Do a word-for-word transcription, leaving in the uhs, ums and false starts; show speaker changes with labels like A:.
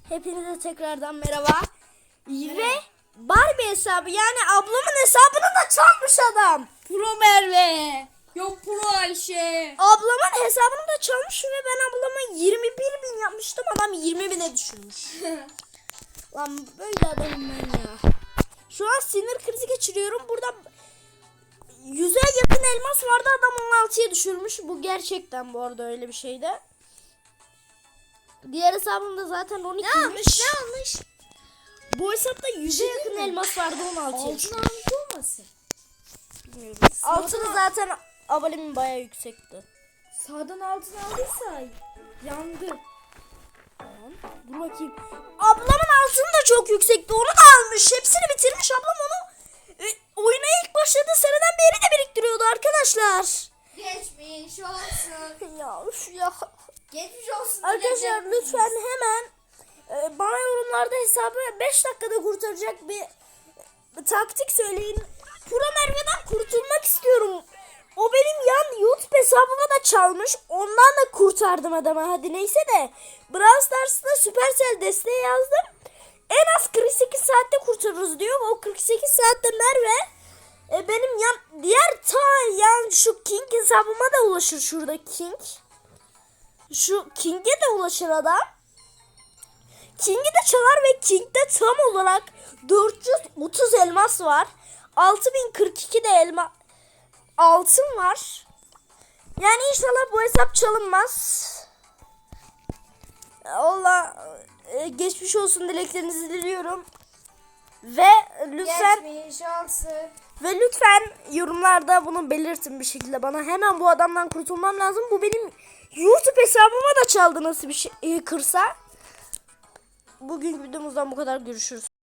A: Hepinize tekrardan merhaba. merhaba. Ve Barbie hesabı, yani ablamın hesabını da çalmış adam.
B: Pro Merve. Yok Pro Ayşe.
A: Ablamın hesabını da çalmış ve ben ablama yirmi bir bin yapmıştım. Adam yirmi bine düşürmüş. Lan böyle adamım ben ya. Şu an sinir krizi geçiriyorum. Burada yüze yakın elmas vardı. Adam on altıya düşürmüş. Bu gerçekten bu arada öyle bir şeydi. Diğer hesabımda zaten on ikiymiş.
B: Ne almış? Ne almış?
A: Bu hesapta yüze yakın elmas vardı, on altıya
B: Altın
A: düşmüş.
B: almış olmasın?
A: Bilmiyorum. Altını zaten abonemin bayağı yüksekti.
B: Sağdan altın aldıysa yandı.
A: Tamam. Dur bakayım. Ablamın altını da çok yüksekti. Onu da almış. Hepsini bitirmiş. Ablam onu e, oyuna ilk başladığı seneden beri de biriktiriyordu arkadaşlar.
B: Geçmiş olsun.
A: Ya üf ya.
B: Geçmiş olsun.
A: Arkadaşlar lütfen hemen e, bana yorumlarda hesabı beş dakikada kurtaracak bir e, taktik söyleyin. Pro Merve'den kurtulmak istiyorum. O benim yan YouTube hesabımı da çalmış. Ondan da kurtardım adamı. Hadi neyse de. Brawl Stars'ta Supercell desteği yazdım. En az kırk sekiz saatte kurtarırız diyor. O kırk sekiz saatte Merve e, benim yan diğer ta yan şu King hesabıma da ulaşır, şurada King. Şu King'e de ulaşır adam. King'i de çalar ve King'de tam olarak dört yüz otuz elmas var. altı bin kırk iki de elma altın var. Yani inşallah bu hesap çalınmaz. Allah e, geçmiş olsun dileklerinizi diliyorum. Ve lütfen
B: Geçmiş olsun.
A: ve lütfen yorumlarda bunu belirtin bir şekilde bana. Hemen bu adamdan kurtulmam lazım. Bu benim YouTube hesabıma da çaldı nasıl bir şey e, kırsa. Bugün videomuzdan bu kadar, görüşürüz.